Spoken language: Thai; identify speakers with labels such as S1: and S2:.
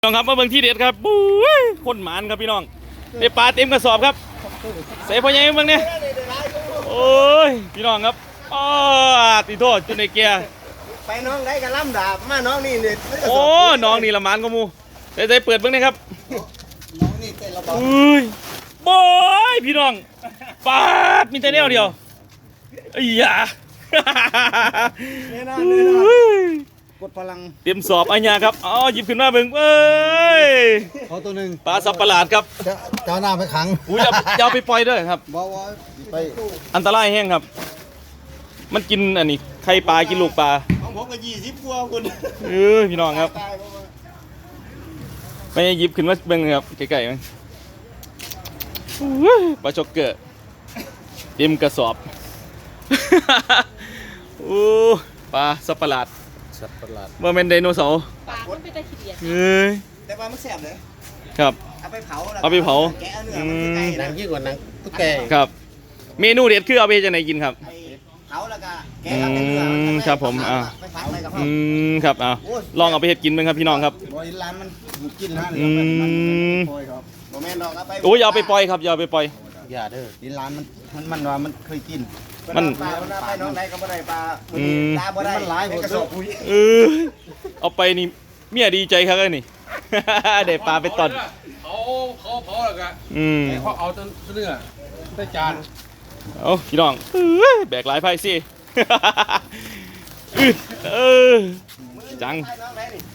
S1: น้องครับมาเบิ่งที่เด็ดครับปุ้ยคนหมานครับพี่น้องได้ปลาเต็มกระสอบครับใส่พ่อใหญ่เบิ่งเนี่ยโอ้ยพี่น้องครับอ๋อติโทษจุนในเกียร์
S2: ไปน้องได้กันล่ำดาบมาน้องนี่เนี่ย
S1: โอ้น้องนี่ละหมานก็มูใส่เปิดเบิ่งเนี่ยครับ
S2: น้องนี่เต้นระบำ
S1: อุ้ยบอยพี่น้องปาดมีแต่แนวเดียวไอ้ยา
S2: เนี่ยนะกดพลัง
S1: เตรียมสอบอัญญาครับอ๋อหยิบขึ้นมาเบิ่งเอ้ย
S2: ขอตัวหนึ่ง
S1: ปลาสับประหลาดครับ
S2: เจ้าหน้าไปขัง
S1: อุ้ยอย่าไปปล่อยเด้อครับ
S2: บอกว่าไป
S1: อันตรายแห้งครับมันกินอันนี้ไข่ปลากินลูกปลา
S2: ของผมก็20 กว่าคุณ
S1: พี่น้องครับไม่หยิบขึ้นมาเบิ่งครับไก่ๆมั้งปลาช็อกเกอร์เต็มกระสอบโอ้ปลาสับประหลาดเมื่อเป็นไดโนเสาร์
S3: ปลามันเป็นตะเคียน
S2: แต่ปลามันแสบเลย
S1: ครับ
S2: เอาไปเผาแกะเนื้อมันไก่หนังยิ่งกว่าหนังตุ๊กแก
S1: ครับเมนูเด็ดคือเอาไปจะไหนกินครับ
S2: เผาแล้วก็แกะเนื้อ
S1: ครับผม
S2: ไปผัดอะไรกับ
S1: ครับลองเอาไปเห็ดกินมั้งครับพี่น้องครับ
S2: บริลานมันกินนะโมเมนต์ดอกเอาไป
S1: โอ้ยอย่าไปปล่อยครับอย่าไปปล่อย
S2: อย่าเด้อดินลานมันว่ามันเคยกิน
S1: มัน
S2: ปลาไปน้องได้ก็บ่ได้ปลาตาบ่ได้มันหลายกระสอบปุ๋ย
S1: เอาไปนี่เมียดีใจครับนี่เด็ดปลาไปตอน
S4: เขาเผาแล้วกันเขาเอาต้นเนื้อได้จาน
S1: เอาพี่น้องแบกหลายไพ่สิจัง